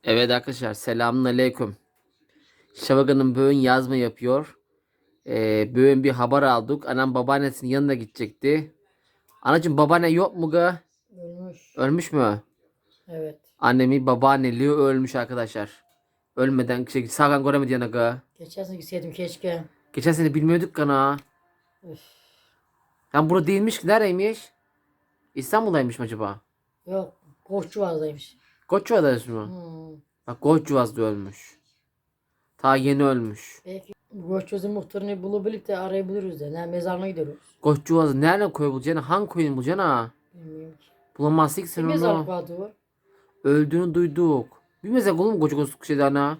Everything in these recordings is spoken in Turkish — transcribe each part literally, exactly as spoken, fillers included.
Evet arkadaşlar, selamun aleyküm. Şavaga'nın bugün yazma yapıyor. Ee, bugün bir haber aldık. Anam babaannesinin yanına gidecekti. Anacığım, babaanne yok mu ga? Ölmüş. Ölmüş mü? Evet. Annemi babaanneliği ölmüş arkadaşlar. Ölmeden şey, sağdan göremedi yana ga. Geçen sene gitseydim keşke. Geçen sene bilmiyorduk kana. Üf. Lan burada değilmiş ki, nereymiş? İstanbul'daymış mı acaba? Yok. Koşçuvazdaymış. Koçyuva'daymış mı? Hmm. Bak, Koçyuva'da ölmüş. Ta yeni ölmüş. Belki Koşçuvazdın muhtarını bulabilip de arayabiliriz de. Ne mezarına gidiyoruz. Koçyuva'da nerede koy bulacaksın? Hangi koyun bulacaksın ha? Bilmiyorum ki. Bulamazsın ki Bir sen mezarlık onu. vardı var. Öldüğünü duyduk. Bilmezsek oğlum koca koca şeydi ana.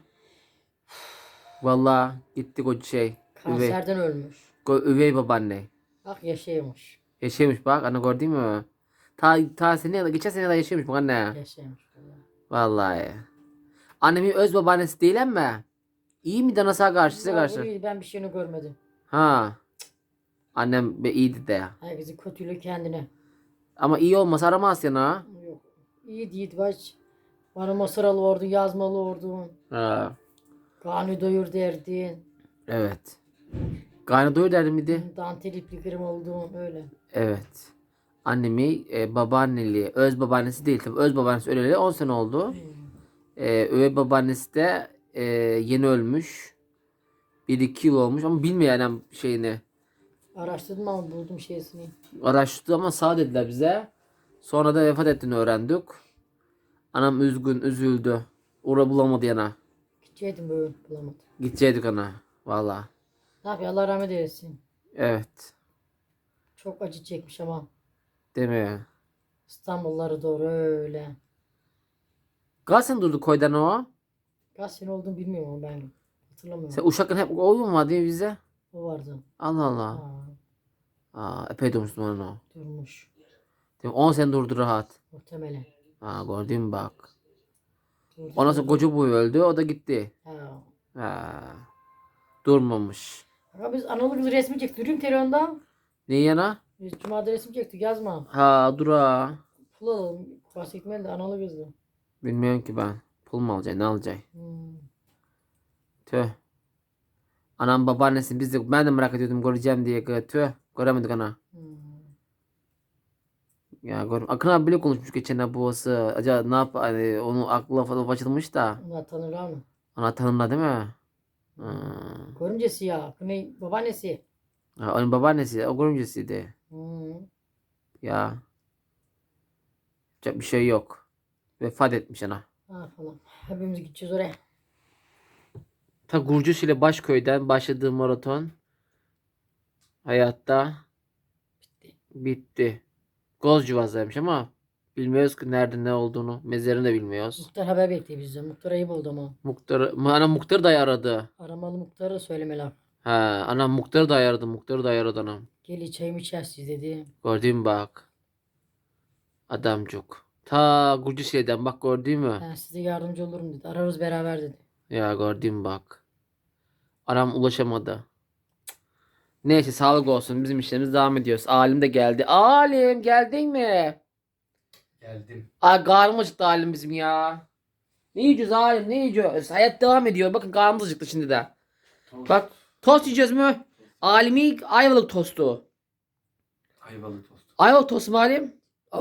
Valla gitti koca şey. Üvey. Kanserden ölmüş. Ko- üvey babaanne. Bak yaşaymış. Yaşamış bak, ana gördün mü? Ta, ta sene, geçen sene de yaşamış bak anne. Yaşaymış. Vallahi. Annemin öz babaannesi değil mi? İyi mi danasa karşı, size Ya, karşı? bu ben bir şeyini görmedim. Ha. Annem be iyiydi de. Herkesin kötülüğü kendine. Ama iyi olmasa aramaz yana. Yok. İyi değil baş. Bana masaralı ordu, yazmalı ordu. Ha. Kanı doyur derdin. Evet. Karnı doyur derdi miydi? Dantel ipli kırım olduğun öyle. Evet. Annemi e, babaanneli, öz babaannesi değil tabii. Öz babaannesi öleli on sene oldu. Ee, üvey babaannesi de e, yeni ölmüş. Bir iki yıl olmuş ama bilmiyor yani şeyini. Araştırdım ama buldum şeysini. Araştırdı ama sağ dediler bize. Sonra da vefat ettiğini öğrendik. Anam üzgün, üzüldü. Uğra bulamadı yana. Gideceydim böyle bulamadım. Gidecektik ana. Valla. Ne yapıyor Allah rahmet eylesin. Evet. Çok acı çekmiş ama Değil mi? İstanbulları doğru öyle. Kaç sene durdu koydan o? Kaç sene olduğunu bilmiyorum ama ben hatırlamıyorum. Sen Uşak'ın hep oyun var diye bize. O vardı. Allah Allah. Aa, Aa, epey durmuşsun onun o. durmuş. Değil mi? on sene durdu rahat. Muhtemelen. Ha, gördün mü bak. Durdu, Ondan sonra durdu. koca boyu öldü, o da gitti. Ha. Ha. Durmamış. Ama biz analı kız resmi çektik. Durayım telefonda. Ne yana? Biz Cuma'da resim çektik yazma. Ha, dura. Pul alalım. Bahsetmeli de analı kızdı. Bilmiyorum ki ben. Pul mu alacaksın, ne alacaksın? Hmm. Tüh. Anam babaannesi, biz de, ben de merak ediyordum göreceğim diye. Tüh. Göremedik ana. Hmm. Ya gör. Akın abi bile konuşmuş geçen ha babası. Acaba ne yap, hani onu aklı falan açılmış da. Onlar tanırlar mı? Ana tanımla değil mi? Ha. Görümcesi ya. Ne? Babaannesi. Ha, onun babaannesi, o görümcesiydi. Hmm. Ya. Yapacak bir şey yok. Vefat etmiş ana. Ne yapalım? Hepimiz gideceğiz oraya. Ta Gurcus ile Başköy'den başladığı maraton hayatta bitti. Gozcuvaz'daymış ama bilmiyoruz ki nerede ne olduğunu. Mezarını da bilmiyoruz. Muhtar haber bekliyor bizden. Muhtar ayıp oldu ama. Muhtarı, anam muhtarı da aradı. Aramalı muhtarı söylemeler. Ha, anam muhtarı da aradı. Muhtarı da aradı anam. Gel çayımı içersiz dedi. Gördün mü bak. Adamcık. Ta Gurcus'den bak, gördün mü? Ben size yardımcı olurum dedi. Ararız beraber dedi. Ya gördün mü bak. Aram ulaşamadı. Neyse, sağlık olsun. Bizim işlerimiz devam ediyoruz. Alim de geldi. Alim, geldin mi? Geldim. Ay, karnım acıktı Alim bizim ya. Ne yiyeceğiz Alim, ne yiyeceğiz? Hayat devam ediyor. Bakın, karnımız acıktı şimdi de. Tost. Bak, tost yiyeceğiz mi? Alim'i ayvalık tostu. Ayvalı tost. Ayvalık tostu mu Alim?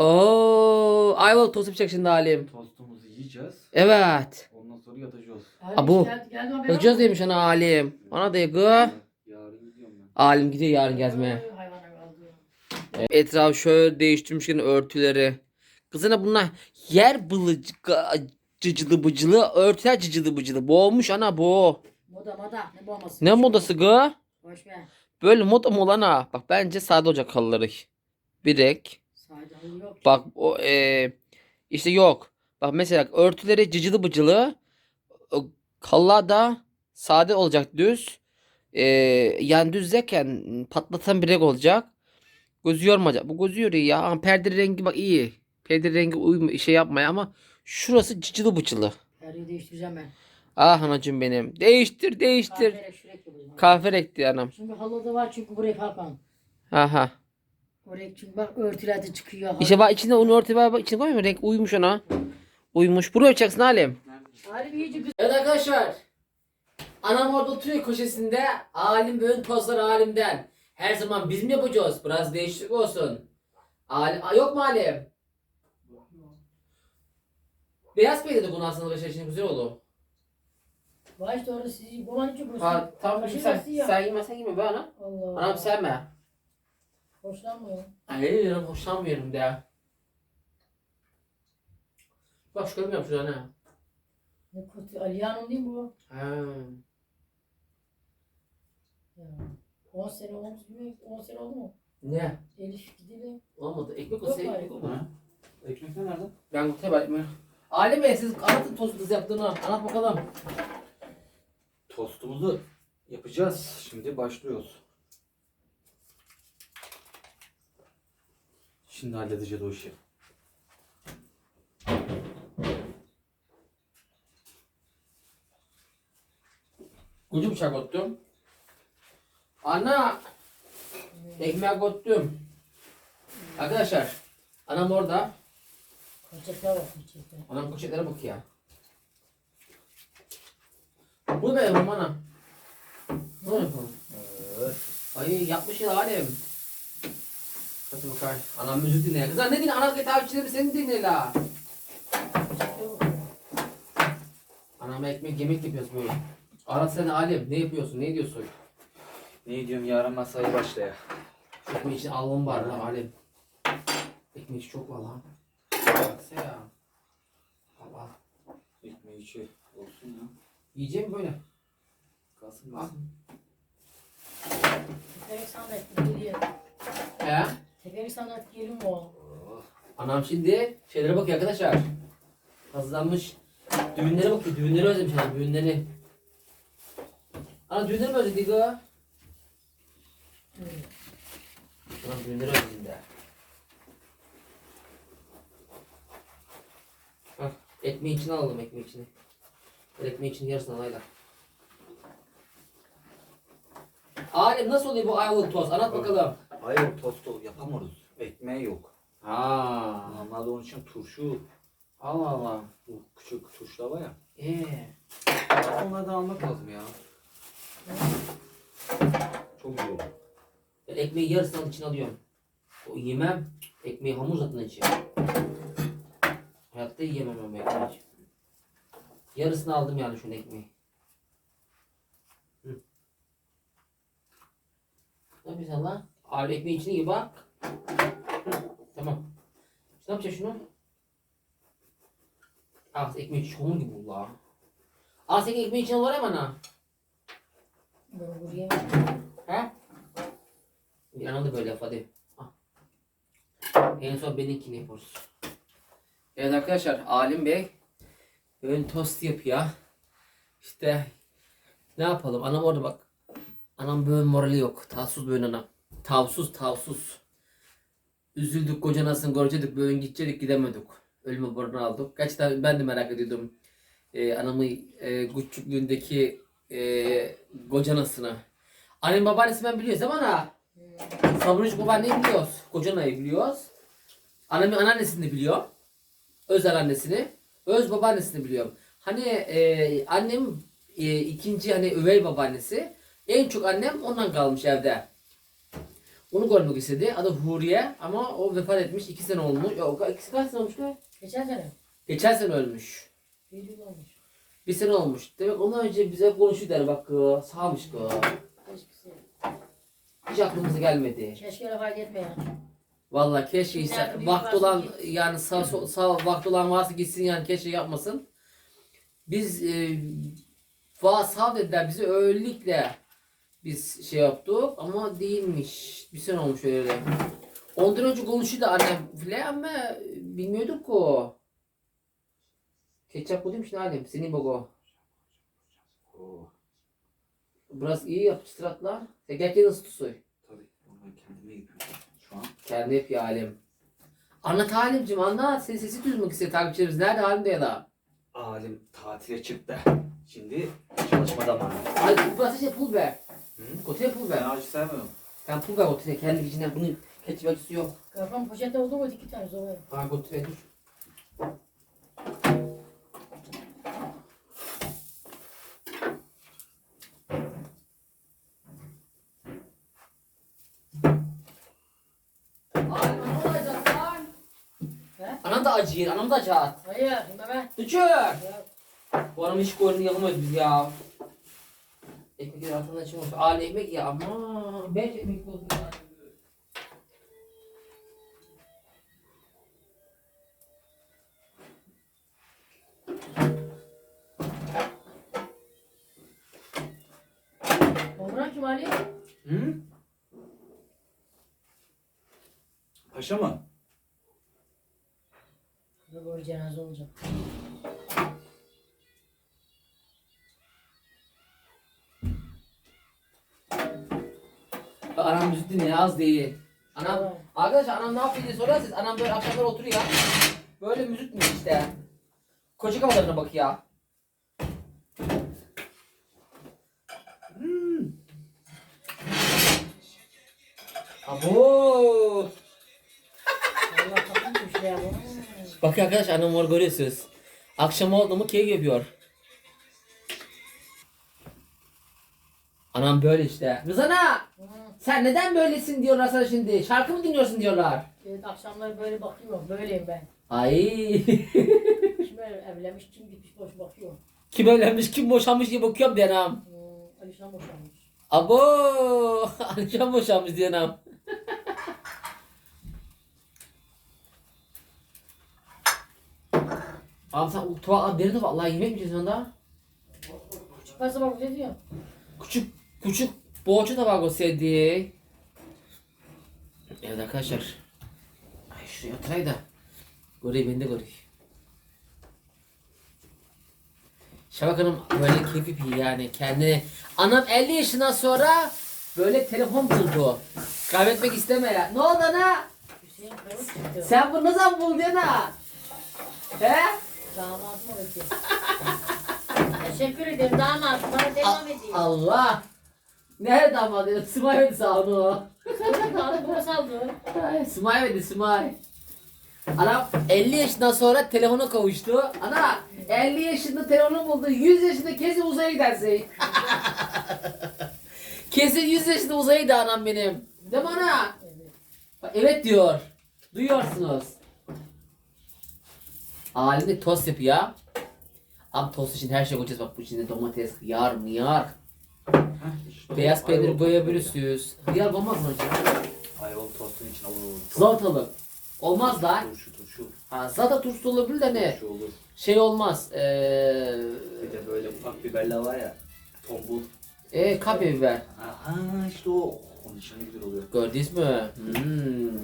Oo, ayvalık tostu yapacak şimdi Alim. Tostumuzu yiyeceğiz. Evet. Ondan sonra yatacağız. Abo. Geldi, geldi haber Yapacağız yok mu? demiş ana Alim. Ana da gı. Yarın gidiyorum ben. Alim gidiyor yarın gezmeye. Ay, hayvana kaldı. Etrafı şöyle değiştirmişken örtüleri. Kızına bunlar yer bılıcı cıcılı bıcılı, örtüler cıcılı bıcılı. Boğmuş ana bu. Moda moda. Ne bombası? Ne modası gı? Boş ver. Böyle moda mı olan ha? Bak, bence sade olacak halıları. Birek. Sade halı yok. Bak o e, işte yok. Bak mesela örtüleri cıcılı bıcılı. o Halılar da sade olacak, düz. E, yani düzleken patlatan birek olacak. Gözü yormayacak. Bu gözü yoruyor ya. Ama perde rengi bak iyi. Perde rengi uyum şey yapmaya ama şurası cıcılı bıcılı. Her yeri değiştireceğim ben. Ah anacığım benim. Değiştir değiştir. Kahve şuraya yapacağım. Kahve renkli anam. Çünkü halıda var çünkü buraya kalkan. Aha. Oraya çünkü bak örtüler de çıkıyor. İşte bak, içinde onu örtü var. Bak, içine koymuyor mu? Renk uymuş ona. Uymuş. Buraya yapacaksın Halim. Nerede? Halim iyice güzel. Evet arkadaşlar. Anam orada oturuyor köşesinde. Alim bugün tostları Alim'den. Her zaman biz mi yapacağız? Biraz değişiklik olsun. Alim, Aa, yok mu Alim? Beyaz peynir de bunu aslında arkadaşlar için güzel olur. Vay işte orada sizi bulan için burası. Ha tamam Kaşık sen, arası ya. sen yemezsen yeme be ana. Allah. Anam sevme. Hoşlanmıyor. Ay diyorum hoşlanmıyorum de. Bak şu görmüyorum şurada ne? Ne kötü. Ali Hanım değil mi bu? Ha. Ya. on sene olmuş mu? on sene oldu mu? Ne? Elif gideli. Olmadı. Ekmek Yok olsa bari. ekmek olmadı. Ha? Ekmek ne nerede? Ben kutaya bakmıyorum. Alim Bey siz anlatın tostu yaptığını. Anlat bakalım. Tostumuzu yapacağız. Şimdi başlıyoruz. Şimdi halledeceğiz o işi. Kucu bıçak attım. Ana. Ekmek attım. Arkadaşlar. Anam orada. Konçekler var konçekler. Anam poşetlere bak ya. Bu ne benim ana? Ne yapalım? Evet. Ay yapmış ya Alem. Hadi bakalım. Anam müzik dinle. Kızlar ne dinle? Ana takipçileri seni dinle la. Konçekler var. Anam ekmek yemek yapıyoruz böyle. Ara sen Alem ne yapıyorsun? Ne diyorsun? Ne diyorum yarın masaya başlaya. Ekmek için almam var la Alem. Ekmek işi çok var lan. Baksana ya. Allah. Ekmeği içi olsun ya. Yiyeceğim böyle. Kalsın Al. kalsın. Tekerek sandalye geliyor. He? Tekerek sandalye geliyor mu? Oh. Anam şimdi şeylere bakıyor arkadaşlar. Hazırlanmış. Düğünlere bakıyor. Düğünleri özlemiş anam. Düğünleri. Ana düğünleri mi özledik o? Anam düğünleri özledim de. Hah. Ekmeği içine alalım ekmeği içine. Ver ekmeği içine yarısını alayla. Alem nasıl oluyor bu ayvalık tost? Anlat bakalım. Hayır tostu yapamıyoruz. Ekmeği yok. Ha. Normalde onun için turşu, Allah Allah. bu küçük turşular var ya. Ee. Onlardan almak lazım ya. Çok iyi olur. Ben ekmeği yarısını içine alıyorum. O yemem. Ekmeği hamur zaten içi. Hayatta yiyemem ama ekmeği. Yarısını aldım yani şunun ekmeği. Hı. Ne yapıyorsun lan? Abi ekmeği içine iyi bak. Hı. Tamam. Şimdi ne yapacağız şunu? Ah ekmeği içi hamur gibi oldu la. Aa sen ekmeği içine var ya bana. Ben buraya He? Bir anam da böyle yap hadi. Ah. En son benimkini yapıyoruz. Evet arkadaşlar Alim Bey ön tost yapıyor. İşte ne yapalım anam orada bak. Anam böyle morali yok. Tavsuz böyle anam. Tavsuz tavsuz. Üzüldük kocanasını görecektik böyle gidecektik gidemedik. Ölüme borunu aldık. Gerçekten ben de merak ediyordum. Ee, anamı e, küçüklüğündeki e, kocanasını. Annem babaannesi ben biliyoruz değil mi ana? Sabruç babaanneyi biliyoruz. Kocanayı biliyoruz. Annemin anneannesini de biliyor. Özel annesini. Öz babaannesini biliyorum. Hani e, annem e, ikinci hani üvey babaannesi. En çok annem ondan kalmış evde. Onu görmek istedi. Adı Huriye ama o vefat etmiş. iki sene olmuş. Yok ikisi kaç sene olmuş ne? geçen sene. Geçen sene ölmüş. Bir yıl olmuş. Bir sene olmuş. Demek ondan önce bize konuşuyor der bak kız. Sağmış kız. Keşke. Hiç aklımıza gelmedi. Keşke öyle fayda etme ya. Vallahi keşke Nerede ise büyük vakti varsa olan git. yani sağ, sol- sağ vakti olan varsa gitsin yani keşke yapmasın. Biz e, va sağ dediler bizi öylelikle biz şey yaptık ama değilmiş. Bir sene olmuş öyle. Ondan önce konuşuyordu annem bile ama bilmiyorduk ki o. Ketçap bu değil mi şimdi Halim? Senin bak o. Oh. Biraz iyi yap çıtratlar. Sen gerçekten ısıt soy. Tabii. Onu ben kendime yapıyorum şu an. Kendi yap ya Halim. Anlat Halim'cim anlat. Senin sesi duymak istiyor takipçilerimiz. Nerede Halim de ya da? Alim tatile çıktı. Şimdi çalışma zamanı. Hadi burası şey pul be. Hı? Kotaya pul Ben be. acı sevmiyorum. Ben pul ver kotaya. Kendi içinden bunu ketçap acısı yok. Kafam poşette oldu mu iki tane zor. Ha kotaya dur. acıyır. Anam da acıyır. Hayır, yeme ben. Düşür. Ya, Bu anam hiç koyunu yalamıyoruz biz ya. Ekmekleri altından çıkmış. Aile ekmek ya ama. Beş ekmek oldu ya. Omran kim Ali? Hı? Paşa mı? Burada böyle cenaze olacak. Anam müzik dinliyor az değil. Anam, Evet. arkadaşlar anam ne yapıyor diye sorarsınız. Anam böyle akşamlar oturuyor. Böyle müzik mi işte. Koca kafalarına bak ya. Hmm. Abo. Allah takılmış ya bu. Bak arkadaş anam var görüyorsunuz. Akşam oldu mu keyif yapıyor. Anam böyle işte. Rızana Hı. sen neden böylesin diyorlar sana şimdi. Şarkı mı dinliyorsun diyorlar. Evet, akşamları böyle bakıyorum. Böyleyim ben. Ay. Kim evlenmiş, kim gitmiş boş bakıyor. Kim evlenmiş kim boşanmış diye bakıyorum diye anam. Hmm, Alişan boşanmış. Abo. Alişan boşanmış diye anam. Abi sen tuvalet deri de vallahi yemek mi yiyeceksin onda? Çıkarsa bak ne diyor? Küçük küçük boğaça tabağı olsaydı. Evet arkadaşlar. Ay şuraya oturayım da. Göreyim ben de göreyim. Şabak Hanım böyle keyif yapıyor yani kendine. Anam elli yaşından sonra böyle telefon buldu. Kaybetmek isteme ya. Ne oldu ana? Hüseyin Kayıp çıktı. Sen bunu ne zaman buldun ana? He? Damadım öyle. Teşekkür ederim damadım. Bana devam edeyim. Allah. Nerede damadı? Smay verdi sağ onu. Sonra kaldı bana saldı. Ay, Smay verdi Smay. Anam elli yaşından sonra telefona kavuştu. Ana elli yaşında telefonu buldu. yüz yaşında kesin uzaya gidersin. Kesin yüz yaşında uzaya gider anam benim. Değil mi ana? Evet. Bak, evet diyor. Duyuyorsunuz. Halinde tost yapıyor. Ama tost için her şey koyacağız. Bak bu içinde domates, yar mı yar. Beyaz peynir koyabilirsiniz. Hıyar olmaz mı hocam? Ayvalı tostun için olur. Salatalık. Olmaz da. Turşu turşu. Ha, salata turşusu olabilir de ne? Turşu olur. Şey olmaz. Eee Bir de böyle ufak biberler var ya. Tombul. e, kapya biber. Aha işte o. Onun için ne güzel oluyor. Gördünüz mü? Hmm.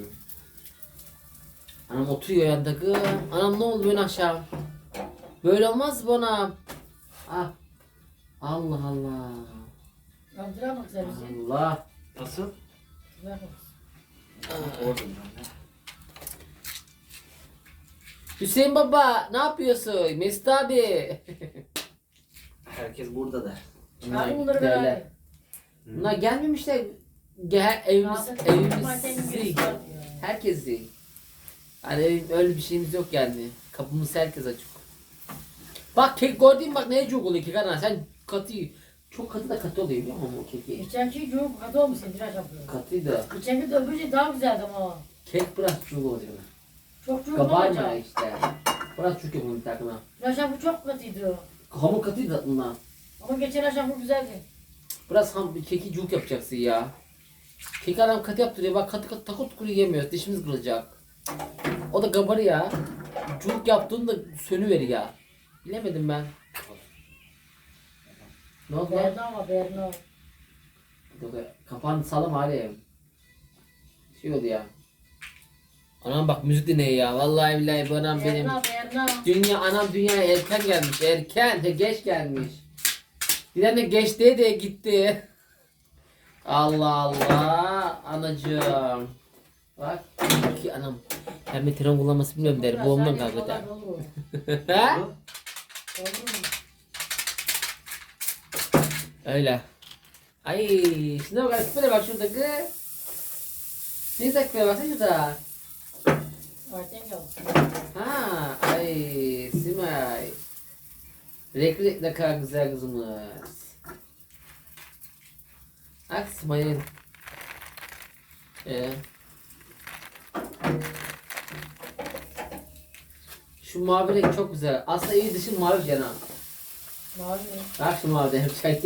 Anam oturuyor yandaki. Anam ne oldu böyle aşağı? Böyle olmaz bu anam. Ah. Allah Allah. Yaptıramaz sen bizi. Allah. Nasıl? Yaptıramaz. Orada ben de. Hüseyin baba ne yapıyorsun? Mesut abi. Herkes burada da. Çağırın bunları Derler. beraber. Bunlar gelmemişler. Gel evimiz, Zaten evimiz Martin'in zik. birisi var diyor. Herkes zik. Hani evim- öyle bir şeyimiz yok yani. Kapımız herkes açık. Bak kek gördün mü bak neye çok oluyor kek ana sen katı çok katı da katı oluyor biliyor musun o keki? Geçenki çok katı olmuşsun tıraş yapıyor. Katı da Geçenki de öbürce daha güzeldi ama. kek biraz çok oluyor. Çok çok Kabarma olacak. işte. Biraz çok yapalım bir takına. Tıraş yapı çok katıydı. Hamur katıydı tatlına. Ama geçen akşam bu güzeldi. Biraz ham bir keki cuk yapacaksın ya. Keki adam katı yaptırıyor bak katı katı takut kuru yemiyoruz dişimiz kırılacak. O da kabarı ya. Cuk yaptığında sönüver ya. Bilemedim ben. Ne oldu lan? Berna ama Berna. Yok ya, kapağını sağlam hali. Şey oldu ya. Anam bak müzik dinleyin ya. Vallahi billahi bu anam benim. Berna Berna. Dünya anam dünyaya erken gelmiş. Erken. He, geç gelmiş. Bir tane geç diye de gitti. Allah Allah. Anacığım. Bak. Ki anam. Hem de tren kullanması bilmiyorum der. Bu ondan kalktı der. He? Öyle. Ay, şuna bak, şuraya bak şurada kız. Ne güzel küpe baksana şurada. Arten yok. Ha, ay, Simay. Renkli ne kadar güzel kızımız. Bak Simay'ın. Ee. Şu mavi renk çok güzel. Aslında iyi dışı mavi Cena. Mavi. Bak şu mavi hep şey.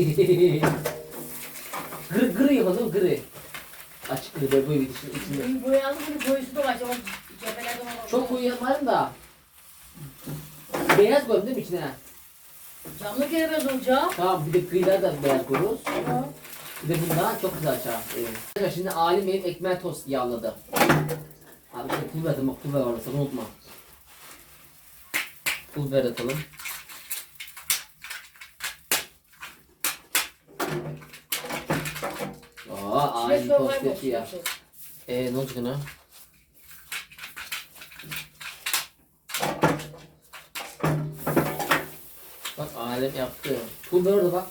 Gri gri yapalım gri. Açık gri böyle bu dışı içinde. Bir boyalı bir boyusu da var. O cephelerde var. Çok koyu yapmayalım da. Beyaz koyalım değil mi içine? Camlı gelemez olacak. Tamam bir de kıyılar da beyaz koyuyoruz. Ha. Bir de bundan çok güzel açar. Evet. Şimdi alim benim ekmeğe tost yağladı. Abi işte pul verdim bak pul ver orada sakın unutma. Pul ver atalım. Aa alim Şuraya tost şöyle yapıyor. koy. Eee ne olacak ona? Bak alem yaptı. Pul ver orada bak.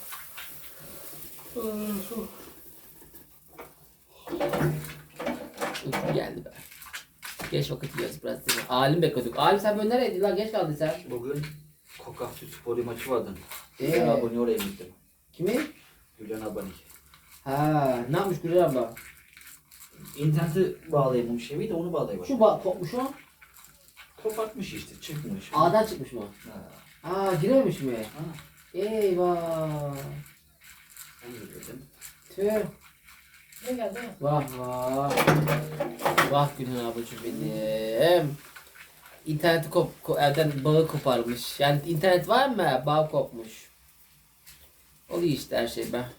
Uyku geldi be. Geç vakit yiyoruz biraz değil mi? Alim bekliyorduk. Alim sen böyle neredeydin lan? Geç kaldın sen. Bugün Kokaksu Spor'u maçı vardı. Ee? Gülen abone oraya gittim. Kimi? Gülen abone. Ha, ne yapmış Gülür abla? İnterneti bağlayamamış evi de onu bağlayamamış. Şu bak kopmuş o. Kopartmış işte çıkmış. A'dan çıkmış mı? Ha. Aa girememiş mi? Ha. Eyvah. Ben de dedim. Tüh. Ne geldi? Vah vah. Vah Gülür ablacığım benim. İnterneti kop, ko- evden bağı koparmış. Yani internet var mı? Bağ kopmuş. Oluyor işte her şey be.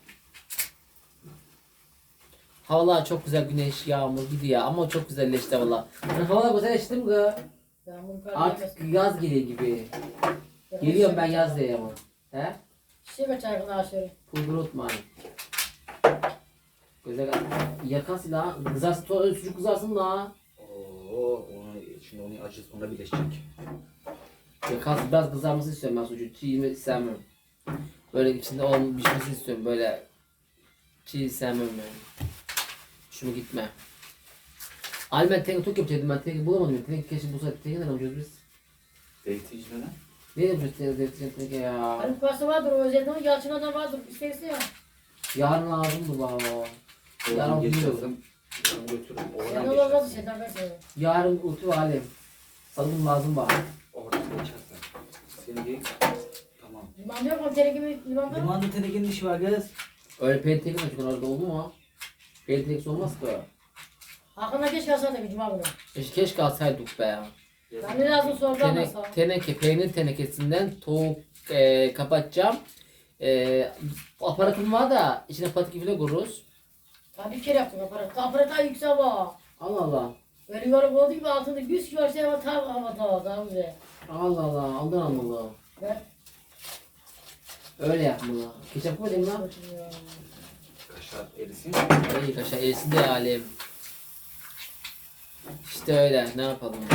Havalar çok güzel, güneş, yağmur gidiyor ama çok güzelleşti havalar. Yani havalar güzelleşti mi kız? Yağmur kar Artık yaz geliyor gibi. Geliyorum ben yaz diye ama. He? Şey be çarkını aşırı. Pulgur unutmayın. Güzel yakan silah. Kızarsın, to- sucuk kızarsın la. Oo, onu, şimdi onu acı ona birleşecek. Yakan biraz kızarması istiyorum ben sucuğu. Çiğ istemiyorum. Böyle içinde olan pişmesi istiyorum böyle. Çiğ sevmiyorum yani. Şunu gitme. Ali ben teneke tok yapacaktım ben teneke bulamadım ya. Teneke keşke bulsaydık. Teneke nereden yapacağız biz? Zeytin içmeden. Ne yapacağız teneke teneke teneke ya? Hani pasta vardır o özellikle ama Yalçın'a vardır. İsterse ya. Yarın lazımdı baba. Yarın Oradan biliyorum. geçersem yarın götürürüm. Sen Oradan de olmaz geçersin. şeyden ben seviyorum. Yarın ulti alim. Salım lazım bana. Oradan geçersen. Seni değil. Tamam. Liman yok mu? Tene gibi liman var mı? Limanda tenekenin işi var kız. Öyle penteke mi çıkıyor orada oldu mu? Penteke olmaz ki. Hakan'a geç kalsaydı bir cuma günü. Keşke, keşke alsaydık be ya. Ben de lazım sordu ama Tene, sağ ol. teneke, peynir tenekesinden tavuk e, kapatacağım. E, aparatım var da içine patik falan kururuz. Ben bir kere yaptım aparat. Aparat daha yüksek var. Allah Allah. Böyle yuvarlak oldu gibi altında yüz kilo şey var. Tam havada daha güzel. Allah Allah. Aldan almalı. Ben Öyle yapmalı. Ketçap koydum lan. oturuyorum. Kaşar erisin. İyi kaşar erisin de alem. İşte öyle. Ne yapalım ya.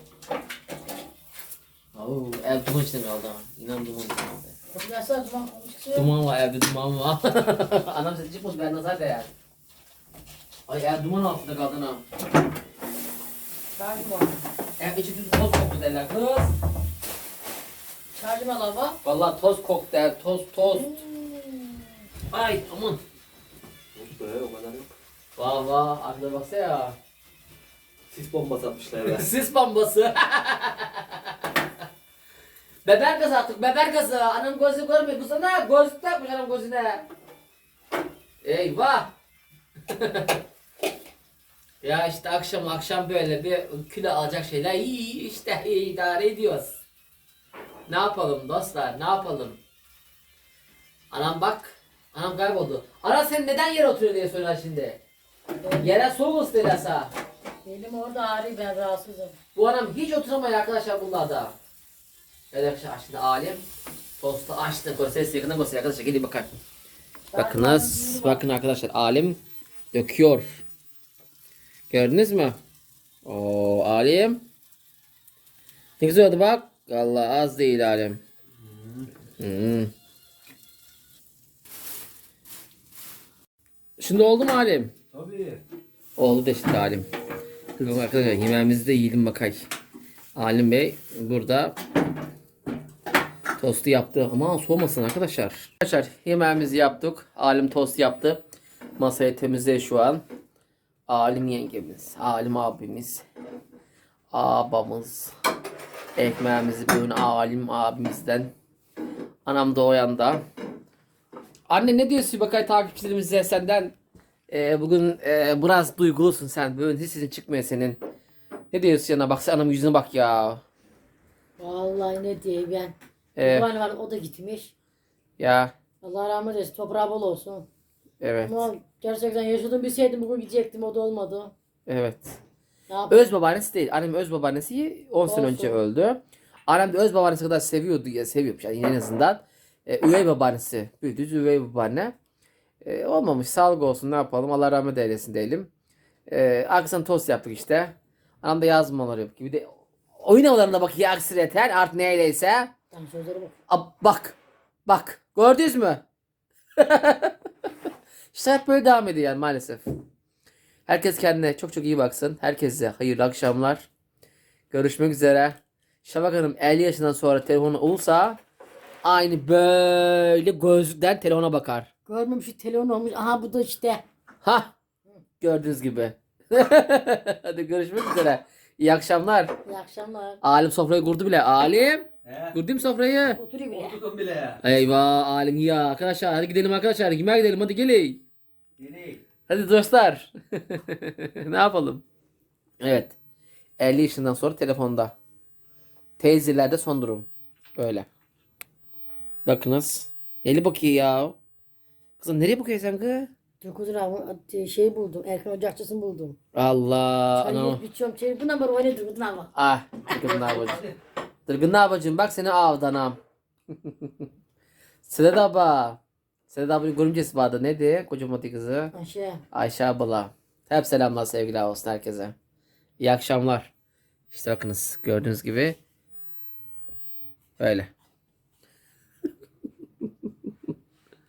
Oo, ev duman içinde kaldı ha. İnan duman içinde kaldı. Hatırlarsan duman çıkıyor. Duman var evde duman var. Anam sesi çıkmış ben nazar değer. Ay ev duman altında kaldın ha. Şarjım var. Ev içi düz toz koktu derler kız. Şarjım al baba. Vallahi toz koktu der toz toz. Ay aman. Yok be o kadar yok. Vah vah arkada baksa ya. Sis bombası atmışlar ya. Sis bombası. Beber gazı attık beber gazı. Anam gözü görmüyor. Bu sana göz takmış anam gözüne. Eyvah. Ya işte akşam akşam böyle bir kilo alacak şeyler iyi işte iyi idare ediyoruz. Ne yapalım dostlar ne yapalım? Anam bak. Anam kayboldu. Ana sen neden yere oturuyor diye soruyorlar şimdi. Yere soğuk ısıtırsa. Benim orada ağrıyor ben rahatsızım. Bu anam hiç oturamıyor arkadaşlar bunlarda. Evet arkadaşlar şimdi alim tostu açtı. Gösterisi yakından göster arkadaşlar gelin bakar. Bakınız bakın arkadaşlar alim döküyor. Gördünüz mü? O alim. Ne güzel oldu bak. Allah az değil alim. Hmm. Şimdi oldu mu alim? Tabii. Oldu da işte alim. Dur bakalım arkadaşlar yemeğimizi de yiyelim bakay. Alim Bey burada tostu yaptı. Ama soğumasın arkadaşlar. Arkadaşlar yemeğimizi yaptık. Alim tost yaptı. Masayı temizle şu an. Alim yengemiz, Alim abimiz, abamız, Ekmeğimizi bugün alim abimizden. Anam da o yanda. Anne ne diyorsun bakay takipçilerimize senden? Ee, bugün e, biraz duygulusun sen. Bugün hiç sesin çıkmıyor senin. Ne diyorsun yana bak sen anamın yüzüne bak ya. Vallahi ne diyeyim ben. Evet. Babaanne var o da gitmiş. Ya Allah rahmet eylesin. Toprağı bol olsun. evet. Ama gerçekten yaşadım bilseydim bugün gidecektim o da olmadı. Evet. Ne yapayım? Öz babaannesi değil. Annem öz babaannesi on sene önce Olsun. öldü. Annem de öz babaannesi kadar seviyordu ya seviyormuş yani en azından. Ee, üvey babaannesi. Büyüdüz üvey babaanne. Ee, olmamış sağlık olsun ne yapalım Allah rahmet eylesin diyelim. Ee, akşam tost yaptık işte. Anam da yazmaları yapıyor. Bir de oyun havalarında bak ya aksireter artık neyleyse. Tam sözleri bak. Ab, bak. Bak. Gördünüz mü? İşte hep böyle devam ediyor yani maalesef. Herkes kendine çok çok iyi baksın. Herkese hayırlı akşamlar. Görüşmek üzere. Şafak Hanım elli yaşından sonra telefonu olursa aynı böyle gözlükten telefona bakar. Görmemiş şu telefon olmuş. Aha bu da işte. Ha gördüğünüz gibi. Hadi görüşmek üzere. İyi akşamlar. İyi akşamlar. Alim sofrayı kurdu bile. Alim. He. Kurdum sofrayı. Oturayım bile. Oturdum bile. Eyvah Alim ya. Arkadaşlar hadi gidelim arkadaşlar. Yemeğe gidelim hadi gelin. Yeni. Hadi dostlar. Ne yapalım? Evet. elli yaşından sonra telefonda. Teyzelerde son durum. Böyle. Bakınız. Eli bakıyor ya. Kızım nereye bakıyorsun sen kız? Dokuzun abi şey buldum. Erkan Ocakçısını buldum. Allah. Çayı Ana. biçiyorum. Çayı bu numara oynadı. Bu numara. Ah. Dırgın ne yapacağım? Dırgın ne yapacağım? Bak seni avdanam. Sedat abla. Sedat ablanın görümcesi vardı. Neydi? Kocaman kızı. Ayşe. Ayşe abla. Hep selamlar sevgiler olsun herkese. İyi akşamlar. İşte bakınız gördüğünüz gibi. Böyle.